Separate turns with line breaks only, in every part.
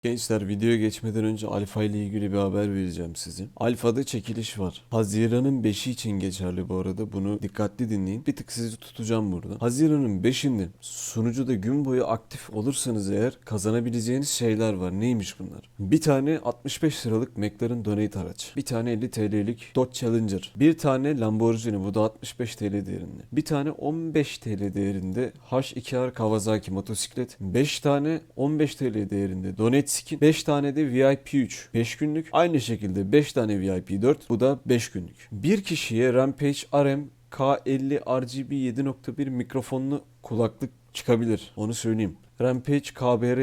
Gençler videoya geçmeden önce Alfa ile ilgili bir haber vereceğim size. Alfa'da çekiliş var. Haziran'ın 5'i için geçerli bu arada. Bunu dikkatli dinleyin. Bir tık sizi tutacağım burada. Haziran'ın 5'inde sunucuda gün boyu aktif olursanız eğer kazanabileceğiniz şeyler var. Neymiş bunlar? Bir tane 65 liralık McLaren Donate araç. Bir tane 50 TL'lik Dodge Challenger. Bir tane Lamborghini, bu da 65 TL değerinde. Bir tane 15 TL değerinde H2R Kawasaki motosiklet. 5 tane 15 TL değerinde Donate skin, 5 tane de VIP 3 5 günlük. Aynı şekilde 5 tane VIP 4, bu da 5 günlük. Bir kişiye Rampage RM K50 RGB 7.1 mikrofonlu kulaklık çıkabilir. Onu söyleyeyim. Rampage KBR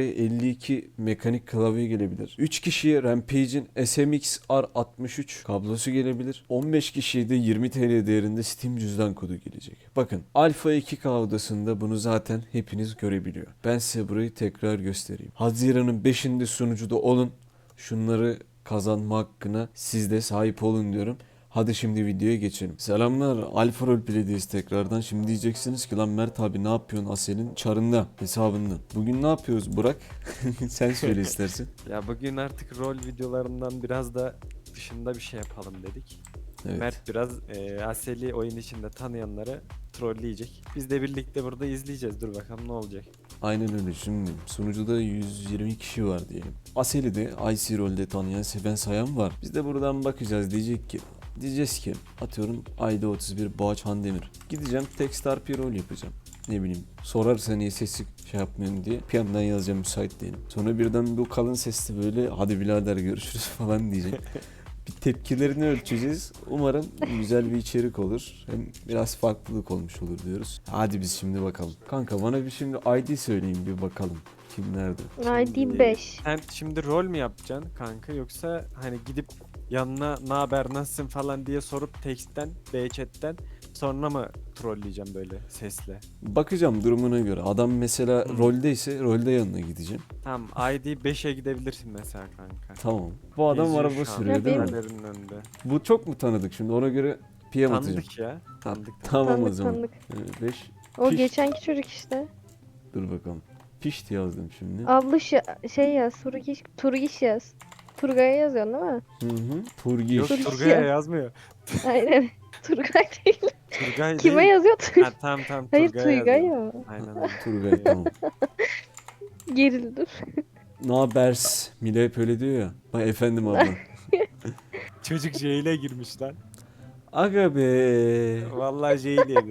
52 mekanik klavye gelebilir. 3 kişiye Rampage'in SMX R63 kablosu gelebilir. 15 kişiye de 20 TL değerinde Steam cüzdan kodu gelecek. Bakın Alpha 2K odasında bunu zaten hepiniz görebiliyor. Ben size burayı tekrar göstereyim. Haziran'ın 5'inde sunucuda olun. Şunları kazanma hakkına siz de sahip olun diyorum. Hadi şimdi videoya geçelim. Selamlar, Alfa Roleplay'deyiz tekrardan. Şimdi diyeceksiniz ki lan Mert abi ne yapıyorsun Asel'in çarında, hesabında. Bugün ne yapıyoruz Burak? Sen söyle istersen.
Ya bugün artık rol videolarından biraz da dışında bir şey yapalım dedik.
Evet.
Mert biraz Asel'i oyun içinde tanıyanları trolleyecek. Biz de birlikte burada izleyeceğiz. Dur bakalım ne olacak.
Aynen öyle. Şimdi sunucuda 120 kişi var diyelim. Asel'i de IC rolde tanıyan, seven, sayan var. Biz de buradan bakacağız, diyeceğiz ki atıyorum ayda 31 Boğaç Handemir. Gideceğim Techstar bir rol yapacağım. Ne bileyim, sorarsa niye sesi şey yapmıyorsun diye bir yandan yazacağım, müsait değilim. Sonra birden bu kalın sesli böyle hadi birader görüşürüz falan diyecek. Bir tepkilerini ölçeceğiz. Umarım güzel bir içerik olur. Hem biraz farklılık olmuş olur diyoruz. Hadi biz şimdi bakalım. Kanka bana bir şimdi ID söyleyin bir bakalım. Kim nerede?
ID 5.
Sen şimdi rol mü yapacaksın kanka, yoksa hani gidip yanına ne haber nasılsın falan diye sorup text'ten, chat'ten sonra mı trolleyeceğim böyle sesle?
Bakacağım durumuna göre. Adam mesela roldeyse rolde yanına gideceğim.
Tamam, ID 5'e gidebilirsin mesela kanka.
Tamam. Bu adam
Geziyor
araba
şu an
sürüyor değil mi?
kamerinin önünde.
Bu çok mu tanıdık şimdi? Ona göre PM atacağım.
Tanıdık ya. Tanıdık.
Tamam o
Tanıdık
zaman.
tanıdık.
5.
O
Piş.
geçenki çocuk işte.
Dur bakalım. Pişti yazdım şimdi.
Abluş şey yaz. Turgiş yaz. Turgay'a yazıyorsun değil mi?
Hı. Turgiş.
Yok,
Turgiş
Turgay'a
ya.
yazmıyor.
Aynen. Turgay değil.
Turgay
Kime
değil.
yazıyor?
Ha, tamam
Hayır
Turgay'a
Turgay
yazıyor.
ya.
Aynen öyle.
Turgay tamam.
Gerildir.
Ne habers? Mile hep öyle diyor ya. Bak efendim abla.
Çocuk jail'e girmiş lan.
Aga be.
Vallahi jail yedi.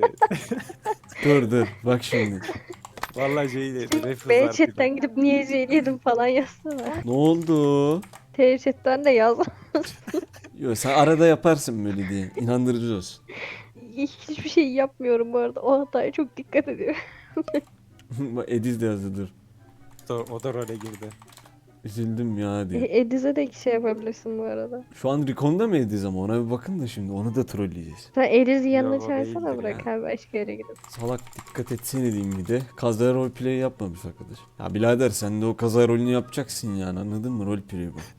Dur. Bak şimdi.
Vallahi jail yedi. Refuz
B
artık.
chatten gidip niye yedim falan yazsana.
Ne oldu?
T chatten de yaz.
Yo sen arada yaparsın böyle diye. İnandırıcı olsun.
Hiçbir şey yapmıyorum bu arada. O hataya çok dikkat ediyorum.
Bak Ediz de yazdı dur.
O da role girdi.
Üzüldüm ya diye.
Ediz'e de şey yapabilirsin bu arada.
Şu an Recon'da mı Ediz ama ona bir bakın da şimdi onu da trolleyeceğiz.
Sen Ediz'i yanına
Yok, o
çağırsana,
değildir
bırak
ya.
abi başka yere gidip.
Salak dikkat etsene diyeyim bir de. Kaza roleplay yapmamış arkadaş. Ya birader sen de o kaza rolünü yapacaksın yani, anladın mı? Roleplay bu.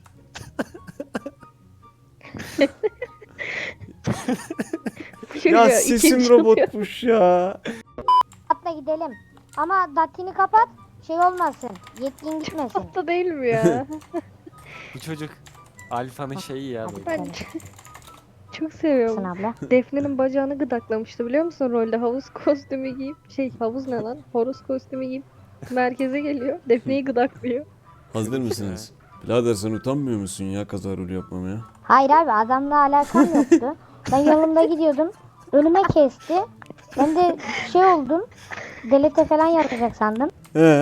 Ya sesim robotmuş ya.
Atla gidelim. Ama datini kapat, şey olmasın. Yetkin gitmesin.
Hatta değil mi ya?
Bu çocuk Alfa'nın şeyi ya böyle.
Ben çok seviyorum.
Sen abla.
Defne'nin bacağını gıdaklamıştı biliyor musun rolde? Havuz kostümü giyip, havuz ne lan? Horoz kostümü giyip merkeze geliyor. Defne'yi gıdaklıyor.
Hazır mısınız? Birader sen utanmıyor musun ya kaza rolü yapmamaya?
Hayır abi, adamla alakam yoktu. Ben yolumda gidiyordum. Önüme kesti. Ben de şey oldum. Delete falan yapacak sandım.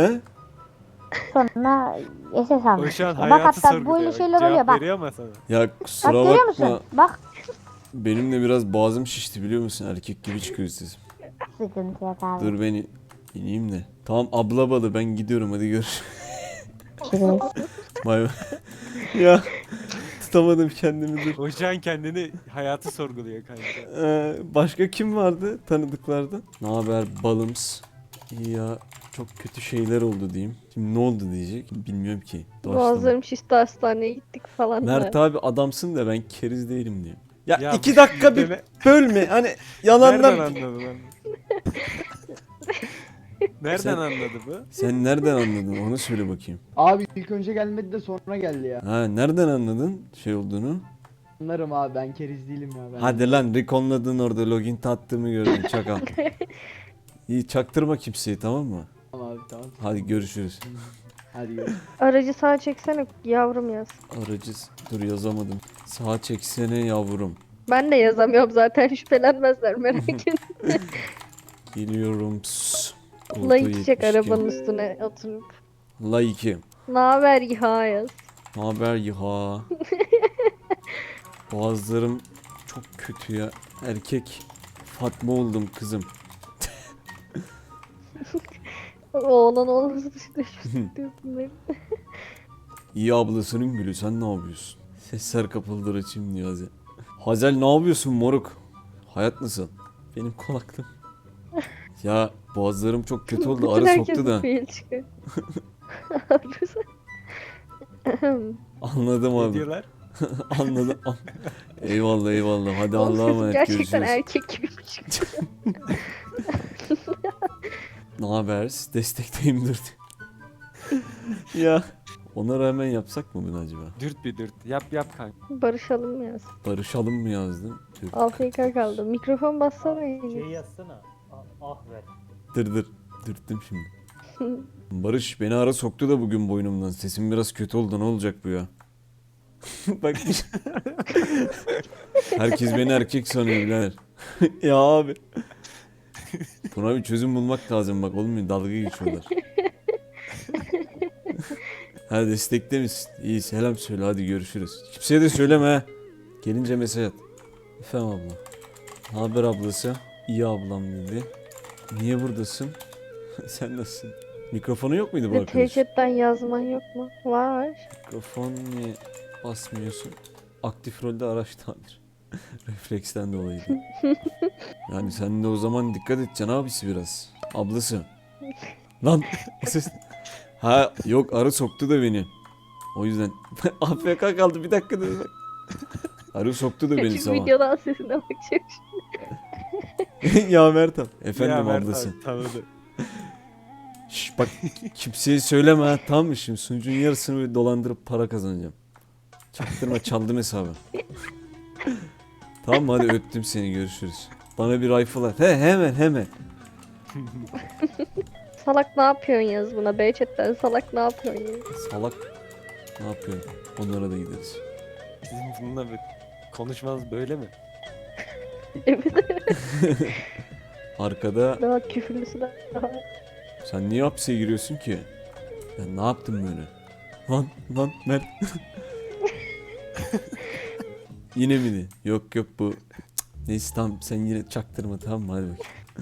Sonra SS
O
almış.
şu an
işte. Bak
hayatı
hatta
sorguluyor.
böyle şeyler oluyor
Cevap
bak.
veriyor ama sana.
Ya
Bak
kusura
görüyor
bakma.
musun? Bak
Benim de biraz boğazım şişti biliyor musun? Erkek gibi çıkıyor sesim.
sıkıntı yok abi.
Dur ben ineyim de. Tamam abla balı ben gidiyorum, hadi görüşürüz.
Görüşürüz.
Bay bay. Ya tutamadım kendimi, dur.
O şu an kendini hayatı sorguluyor kanka.
Başka kim vardı tanıdıklardan? Ne haber balımız? İyi ya, çok kötü şeyler oldu diyeyim. Şimdi ne oldu diyecek bilmiyorum ki. Doğaçlama.
Boğazlarım şişti, hastaneye gittik falan.
Mert
da.
abi adamsın da ben keriz değilim diyeyim. Ya,
Ya
2 dakika bir
deme-
bölme hani
Nereden
yalandan.
anladın lan? Nereden anladı bu?
Sen nereden anladın onu söyle bakayım.
Abi ilk önce gelmedi de sonra geldi ya.
Ha nereden anladın şey olduğunu?
Anlarım abi, ben keriz değilim ya. Ben
Hadi lan reconladın orada login attığımı gördüm çakal. İyi çaktırma kimseyi tamam mı?
Tamam abi, tamam.
Hadi görüşürüz.
Hadi görüşürüz.
Aracı sağa çeksene yavrum yaz.
Aracı dur yazamadım. Sağa çeksene yavrum.
Ben de yazamıyorum zaten şüphelenmezler merak etme.
Geliyorum. Pss. Koltuğu
Like çek
72.
arabanın üstüne oturup.
Like.
Naber ya yaz.
Naber ya? Boğazlarım çok kötü ya. Erkek Fatma oldum kızım.
Oğlan olması dışında şu diyorsun benim.
İyi ablasının gülü sen ne yapıyorsun? Sesler kapıldır açayım diyor Hazel. Hazel ne yapıyorsun moruk? Hayat nasıl? Benim kulaklığım. Ya boğazlarım çok kötü oldu.
Bütün
Arı
herkesin
soktu da.
fail çıkıyor.
Anladım
Ne
abi.
diyorlar?
Anladım. Eyvallah eyvallah. Hadi
Oğlum
Allah'a
sesin
emanet
gerçekten
görüşürüz.
erkek gibi çıktı.
Ne haber? Destekteyim dur. Ya ona rağmen yapsak mı bunu acaba?
Dürt bir dürt. Yap kanka.
Barışalım yaz.
Barışalım mı yazdın? Dur.
AFK kaldı. Mikrofon bassana
Şey
yine.
yazsana. Ah ver.
Dur. Dürttüm şimdi. Barış beni ara soktu da bugün boynumdan. Sesim biraz kötü oldu. Ne olacak bu ya? Bak. Herkes beni erkek sanıyor birader. Ya abi. Buna bir çözüm bulmak lazım bak olmuyor. Dalga geçiyorlar. Hadi destekte misin? İyi selam söyle hadi görüşürüz. Kimseye de söyleme ha. Gelince mesaj at. Efendim abla. Ne haber ablası? İyi ablam dedi. Niye buradasın? Sen nasılsın? Mikrofonu yok muydu bu arkadaş?
Chatten yazman yok mu? Var.
Mikrofon niye basmıyorsun? Aktif rolde araç tamir. Refleksten dolayı. Yani sen de o zaman dikkat edeceksin abisi biraz. Ablası. Lan o ses... Ha yok arı soktu da beni. O yüzden AFK kaldı bir dakika dur bak. Arı soktu da beni
Küçük
sabah.
videodan sesine bakacağım.
Ya Mertan. Efendim
Ya Mert
ablası.
abi, tanıdı.
Şş, bak kimseye söyleme ha tamam mı şimdi sunucunun yarısını böyle dolandırıp para kazanacağım. Çaktırma çaldım hesabı. Tamam mı hadi öptüm seni görüşürüz. Bana bir rifle at. Hemen.
Salak ne yapıyorsun yaz buna? B chatten salak ne yapıyorsun yaz?
Salak ne yapıyor? Onlara da gideriz.
Sizin bununla bir konuşmanız böyle mi?
Evet.
Arkada
Daha küfürlüsü de var.
sen niye hapse giriyorsun ki? Ben ne yaptım böyle? Lan Mert. Yine mi de? Yok bu. Cık, neyse tamam sen yine çaktırma tamam mı hadi bakayım.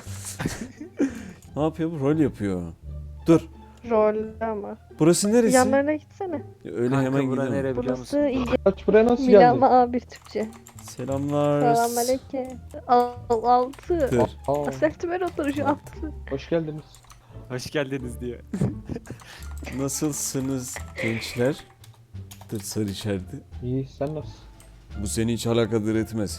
Ne yapıyor bu? Rol yapıyor. Dur.
Rol ama.
Burası neresi?
Yanlarına gitsene.
Öyle
Kanka
hemen
bura
gidelim.
nere biliyor
Burası
musun?
iyi.
Kaç buraya nasıl
Milama
geldin?
A1 Türkçe.
Selamlar.
Selamünaleyküm. Altı.
Dur.
Aa,
Sertümer oturuşu altı.
hoş geldiniz.
Hoş geldiniz diyor.
Nasılsınız gençler? Dur sarı işareti.
İyi, sen nasılsın?
Bu seni hiç alakadar etmez.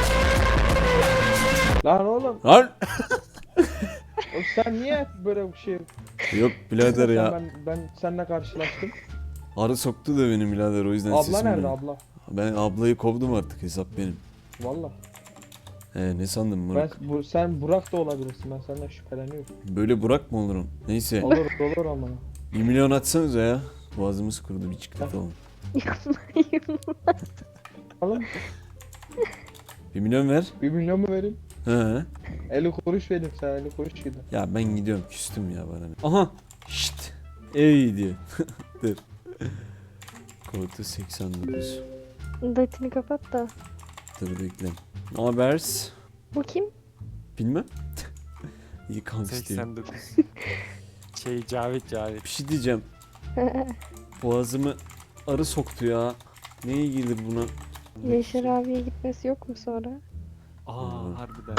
Lan oğlum,
Lan!
oğlum sen niye böyle bir şey...
Yok birader ya.
Ben seninle karşılaştım.
Arı soktu da benim birader o yüzden
Abla
sesim
nerede
böyle.
abla?
Ben ablayı kovdum artık hesap benim.
Valla.
Ne sandın Murat?
Sen Burak da olabilirsin, ben senden şüpheleniyorum.
Böyle Burak mı olurum? Neyse.
Olur ama.
1 milyon atsanıza ya. Boğazımız kurudu bir çikolata alalım.
Yapmayın.
Oğlum
1 milyon ver.
1 milyon mu vereyim?
He.
50 kuruş vereyim, sen 50 kuruş gidin.
Ya ben gidiyorum küstüm ya bana. Ne? Aha. Şşt. Ey diyor. Dur. Kodu 89.
Datini kapat da.
Dur bekle. Ne habers?
Bu kim?
Bilmem. İyi kanka diyor.
89. Cavit.
Bir şey diyeceğim. Boğazımı arı soktu ya. Ne iyi gelir buna?
Yaşar abiye gitmesi yok mu sonra?
Harbiden.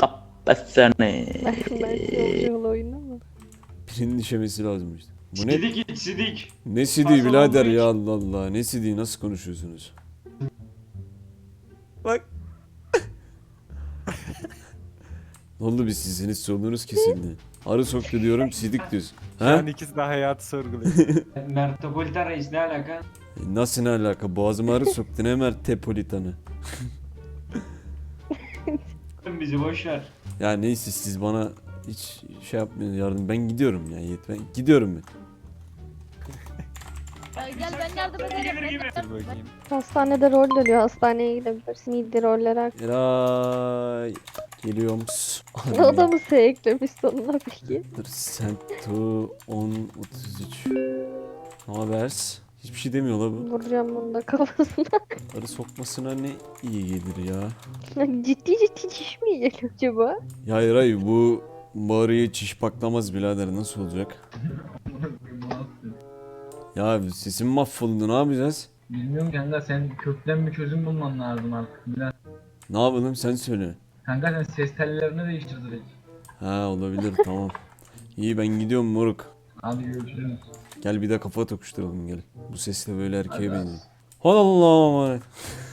Ben yol oyunu mu?
Birinin işemesi lazım işte. Bu ne?
Sidik git sidik.
Ne CD
Fazla
birader
oldu
ya Allah Allah. Ne CD nasıl konuşuyorsunuz? Bak. Ne oldu biz sizsiniz sorunuz kesildi. Arı soktu diyorum, sidik diyorsun.
Şu an
He?
ikisi de hayatı sorguluyor.
Mertopolitan reis ne alaka?
Nasıl ne alaka? Boğazıma arı soktu, ne Mertepolitan'ı.
Bizi boş ver.
Ya neyse, siz bana hiç şey yapmayın, yardım. Ben gidiyorum ya Yiğit. Ben gidiyorum ben.
Gel ben yardım ederim.
Dur bakayım.
Hastanede rol dönüyor. Hastaneye gidebilirsin. İyi roller.
Eray. Geliyorum.
O da mı S eklemiş sonuna peki?
Sento 1033. Ne haber? Hiçbir şey demiyor la bu.
Vuracağım bunu da kafasına.
Arı sokmasına ne iyi gelir ya.
Ciddi ciddi çiş mi geliyor acaba?
Ya Eray, bu arıyı çiş paklamaz birader, nasıl olacak? Ya sesim mahvoldu, ne yapacağız?
Bilmiyorum kanka, sen kökten bir çözüm bulman lazım artık. Biraz.
Ne yapalım, sen söyle.
Kanka sen ses tellerini değiştir direkt.
Ha, olabilir, tamam. İyi, ben gidiyorum moruk.
Hadi görüşürüz.
Gel bir de kafa tokuşturalım gel. Bu sesle böyle erkeğe benziyor. Allah'ım emanet.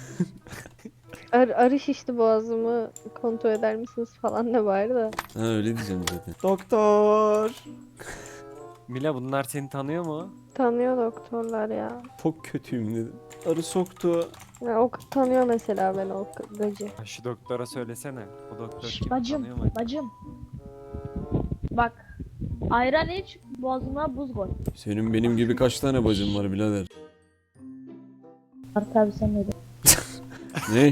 Arı şişti boğazımı kontrol eder misiniz falan da bari da.
Ha, öyle diyeceğim zaten. Doktor.
Mila bunlar seni tanıyor mu?
Tanıyor doktorlar ya.
Çok kötüyüm dedim. Arı soktu.
Ya o tanıyor mesela ben o gacı.
Ha, şu doktora söylesene. O doktor
Şş,
kim?
bacım,
Tanıyor mu?
bacım. Bak. Ayran iç, boğazına buz koy.
Senin benim gibi kaç tane bacın var birader?
Artık abi sen neydi?
Ne?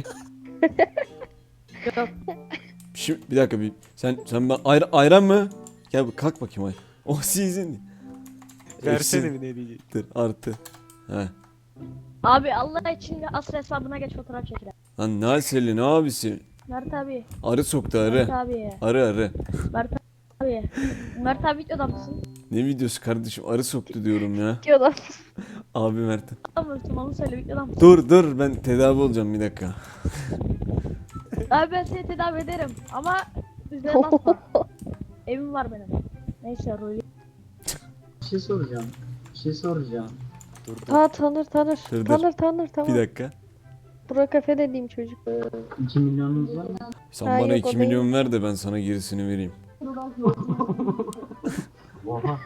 Yok.
Şimdi bir dakika bir. Sen ben ayran mı? Gel kalk bakayım ay. O sizin.
Versene bir ne diyecek.
Eksidir, artı. He.
Abi Allah için de asıl hesabına geç fotoğraf çekiler.
Lan ne aseli, ne abisi?
Mert abi.
Arı soktu,
Mert
arı.
abi.
Arı.
Mert abi. Mert abi videoda mısın?
Ne videosu kardeşim, arı soktu diyorum ya.
Diyorlar.
Abi Mert.
Videoda mısın? Onu söyle videoda mısın?
Dur ben tedavi olacağım, bir dakika.
Abi ben seni tedavi ederim ama üzerine basma. Evim var benim. Neyse Ruhi.
Bir şey soracağım.
Dur.
Ha tanır.
Dur.
Tanır tamam.
Bir dakika.
Burak Efe dediğim çocuk.
2 milyonunuz var mı?
Sen
Ha,
bana
yok, o
2 milyon ver de ben sana gerisini vereyim.
Oha.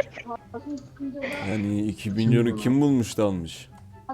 Yani 2 milyonu kim bulmuş da almış?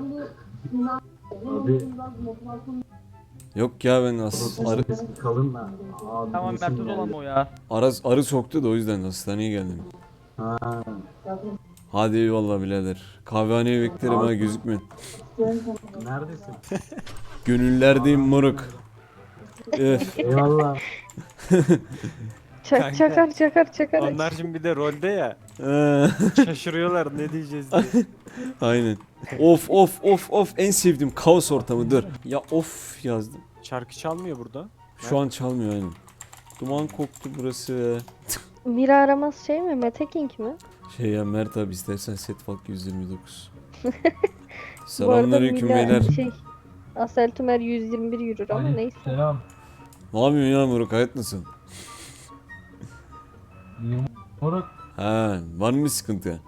Abi
Yok ya, ben arı,
kalın da. Abi,
Tamam
resim
Mert'e olan
geldi.
o ya.
arı soktu da o yüzden hastaneye geldim.
Ha.
Hadi eyvallah birader. Kahvehaneye beklerim ha, gözükmeyin.
Neredesin?
Gönüllerdeyim moruk.
Eyvallah.
Kanka.
Çakar.
Onlar şimdi bir de rolde ya.
Ee,
Şaşırıyorlar ne diyeceğiz diye.
Aynen. Of en sevdiğim kaos ortamı, dur. Ya of yazdım.
Şarkı çalmıyor burada.
Şu an çalmıyor aynen. Duman koktu burası.
Mira aramaz şey mi? Mete King mi?
Şey ya Mert abi, istersen set fark 129.
Bu arada
Selamünaleyküm
Mila
beyler.
Asel Tümer 121 yürür ama neyse.
Selam.
Ne yapıyorsun ya moruk, hayat nasıl?
Moruk.
Ha, var mı bir sıkıntı?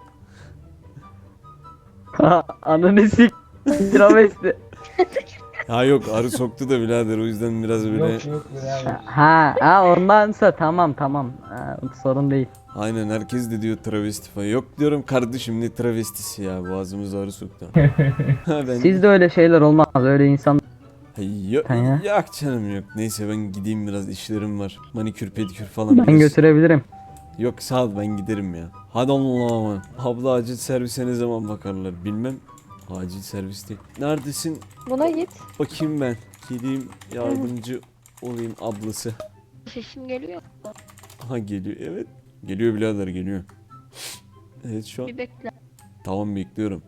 Ananı sik. Travesti.
Ha yok, arı soktu da birader, o yüzden biraz böyle.
Yok ya.
Ha ondansa tamam. Ha, sorun değil.
Aynen, herkes de diyor travesti falan. Yok diyorum kardeşim, ne travestisi ya, boğazımıza arı soktu. Ha, ben...
Sizde öyle şeyler olmaz. Öyle insan.
Yok,
Sen ya.
yok canım yok. Neyse ben gideyim, biraz işlerim var. Manikür pedikür falan.
Ben
biraz.
götürebilirim.
Yok sağ ol, ben giderim ya. Hadi Allah'ım. Abla acil servise ne zaman bakarlar bilmem. Acil servis değil. Neredesin?
Buna git.
Bakayım ben. Gideyim yardımcı olayım ablası.
Sesim geliyor.
Aha geliyor, evet. Geliyor birader, geliyor. Evet şu an.
Bir bekle.
Tamam, bekliyorum.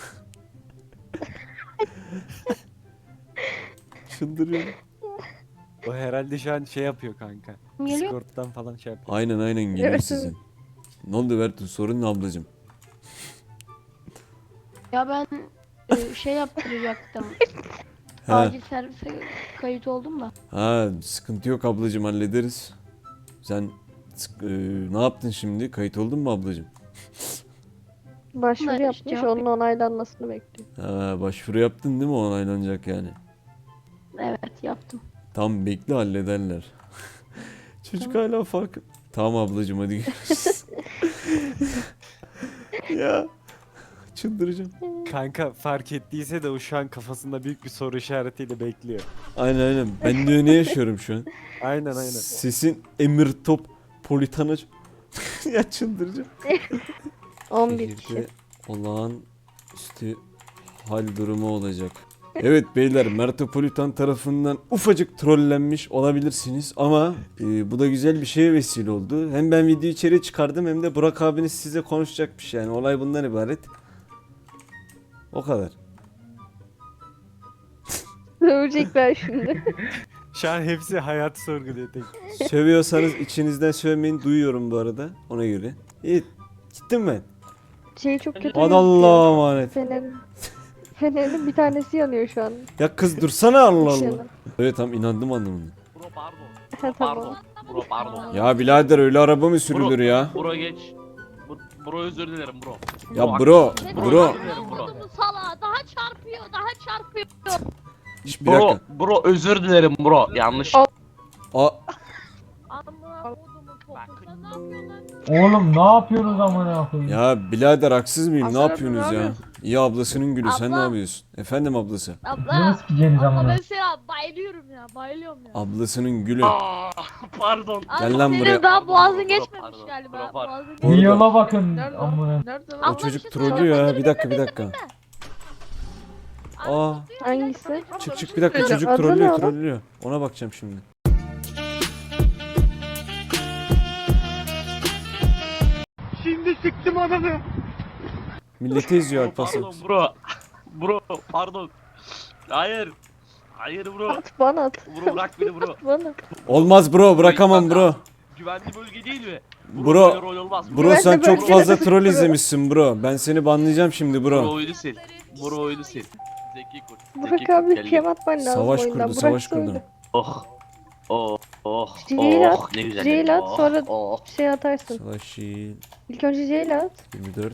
Çıldırıyorum.
O herhalde şu an şey yapıyor kanka.
Geliyor.
Discord'dan falan şey yapıyor.
Aynen geliyor
Evet,
sizin. Ne oldu Bertu, sorun ne ablacım?
Ya ben şey yaptıracaktım.
He.
Acil servise kayıt oldum da.
Ha, sıkıntı yok ablacım, hallederiz. Sen ne yaptın şimdi? Kayıt oldun mu ablacım?
Başvuru
Bunlar
yapmış.
cevap
Onun onaylanmasını bekliyor.
Ha, başvuru yaptın değil mi? Onaylanacak yani.
Evet yaptım.
Tam bekle, hallederler. Çocuk hala fark... Tamam ablacığım hadi görüşürüz. Ya çıldıracağım.
Kanka fark ettiyse de o şu an kafasında büyük bir soru işaretiyle bekliyor.
Aynen. Ben de ne yaşıyorum şu an?
Aynen.
Sesin emir top politana ya çıldıracağım.
11 kişi.
Şehirde olağanüstü hal durumu olacak. Evet beyler Metropolitan tarafından ufacık trollenmiş olabilirsiniz ama bu da güzel bir şeye vesile oldu. Hem ben video içeri çıkardım hem de Burak abiniz size konuşacakmış yani olay bundan ibaret. O kadar.
Sövecekler şimdi.
Şu an hepsi hayat sorguluyor tek.
Sövüyorsanız içinizden sövmeyin duyuyorum bu arada ona göre. İyi gittim ben.
Şey çok kötü
Hadi
gözüküyor.
Allah'a emanet.
Fenerin bir tanesi yanıyor şu an.
Ya kız dursana Allah
Yanıyor.
Allah. Evet tamam inandım anlamına.
Bro pardon.
Ha, tamam.
Bro pardon.
Ya birader öyle araba mı sürülür ya?
Bro geç. Bro özür dilerim bro.
Ya bro.
Özür dilerim bro.
Sala daha çarpıyor.
Şş, bir
Bro,
dakika.
bro özür dilerim bro. Yanlış.
Aa,
Amına kodumun topu. Sen ne yapıyorsun lan?
Oğlum ne yapıyorsunuz amına koyayım?
ya birader haksız mıyım? Ne
Aslan abi,
yapıyorsunuz
ne
ya? İyi ablasının gülü sen ne
Abla.
yapıyorsun? Efendim ablası.
Ne
Abla.
sikeceğiniz
Abla
amına?
ben sana bayılıyorum ya.
Ablasının gülü.
Aa, pardon.
Gel lan
senin
buraya.
daha boğazın
Bro,
geçmemiş
pardon,
galiba.
bro, pardon.
Boğazın
Orada.
Bir yola bakın
Nerede o?
amına.
Nerede
O
Abla,
çocuk
bir şey
trollüyor
söyleyeceğim.
ya. Bir dakika. Aa,
Hangisi?
çık bir dakika çocuk
Adı ne
trollüyor
oğlum?
trollüyor. Ona bakacağım şimdi. Milleti izliyor Alparslan.
Pardon bro. Bro pardon. Hayır. Hayır bro.
At bana at.
Bro bırak beni bro.
Bana.
Olmaz bro bırakamam bro.
Güvenli bölge değil mi?
Bro.
Böyle rol olmaz.
Bro sen
Ben de
çok
böyle
fazla
dedim.
troll izlemişsin bro. Ben seni banlayacağım şimdi
Bro
bro.
oyunu sil. Bro oyunu sil. Zeki kurt.
Burak
Zeki kurt
abi
gel,
kem
gel.
atman lazım
Savaş
oyundan.
kurdu
Burak
savaş
söyle.
kurdu.
Oh. Oh. Oh.
C'yle
Oh. Ne güzel.
C'yle at,
Oh,
sonra
Oh.
şey atarsın.
Savaş Şiil
İlk önce C'yle at.
24.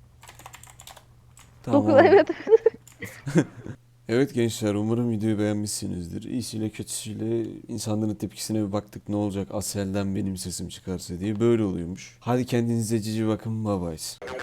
9
Tamam.
evet.
Evet gençler umarım videoyu beğenmişsinizdir. İyisiyle kötüsüyle insanların tepkisine bir baktık ne olacak Asel'den benim sesim çıkarsa diye böyle oluyormuş. Hadi kendinize cici bakın bye bye.